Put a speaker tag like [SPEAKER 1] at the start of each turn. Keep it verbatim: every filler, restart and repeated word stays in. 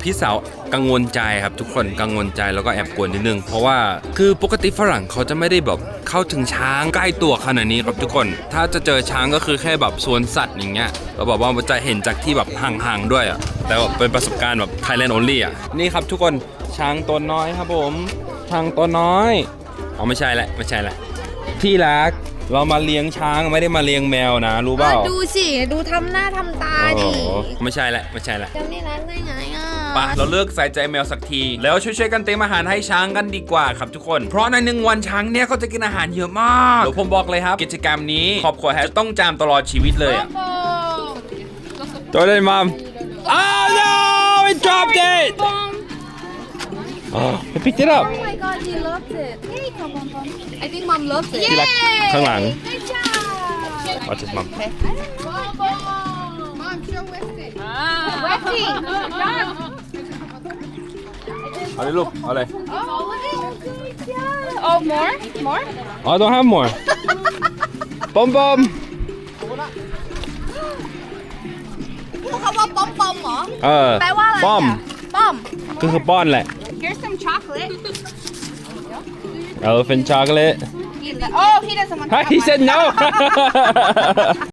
[SPEAKER 1] พี่สาวกังวลใจครับทุกคนกังวลใจแล้วก็แอบกลัวนิดนึงเพราะว่าคือปกติฝรั่งเขาจะไม่ได้แบบเข้าถึงช้างใกล้ตัวขนาดนี้ครับทุกคนถ้าจะเจอช้างก็คือแค่แบบสวนสัตว์อย่างเงี้ยเราบอกว่าจะเห็นจากที่แบบห่างๆด้วยอ่ะแต่ว่าเป็นประสบการณ์แบบ Thailand only อ่ะนี่ครับทุกคนช้างตัวน้อยครับผมช้างตัวน้อยอ๋อไม่ใช่แหละไม่ใช่แหละที่รักเรามาเลี้ยงช้างไม่ได้มาเลี้ยงแมวนะรู้เปล่า
[SPEAKER 2] ดูสิดูทำหน้าทำตาดิ
[SPEAKER 1] ไม่ใช่แหละไม่ใช่แหละ
[SPEAKER 2] จำได้ร้านได้ไงอ่ะ
[SPEAKER 1] ปะเราเลิกใส่ใจแมวสักทีแล้วช่วยๆกันเตรียมอาหารให้ช้างกันดีกว่าครับทุกคนเพราะในหนึ่งวันช้างเนี่ยเขาจะกินอาหารเยอะมากเดี๋ยวผมบอกเลยครับกิจกรรมนี้ครอบครัวแฮชต้องจำตลอดชีวิตเลยอ่ะตัวเล่นมัมอ้าว no it dropped it oh I picked it up
[SPEAKER 2] Oh my god he loved it Hey come on I think mom loves it
[SPEAKER 1] ที่รักข้างหลัง
[SPEAKER 2] Good job
[SPEAKER 1] What's his mom
[SPEAKER 2] Mom show Westing Westing
[SPEAKER 1] เอาเลยลูกเอาเลย
[SPEAKER 2] Oh more more
[SPEAKER 1] I don't have more ปอมปอม
[SPEAKER 2] เขาว่าป้อมป้อมเหรอ
[SPEAKER 1] เออ
[SPEAKER 2] แปลว่าอะไร
[SPEAKER 1] ป้อม
[SPEAKER 2] ป้อม
[SPEAKER 1] ก็คือป้อนแหละ
[SPEAKER 2] Here's some chocolate
[SPEAKER 1] Elephant chocolate
[SPEAKER 2] Oh he doesn't want
[SPEAKER 1] He said no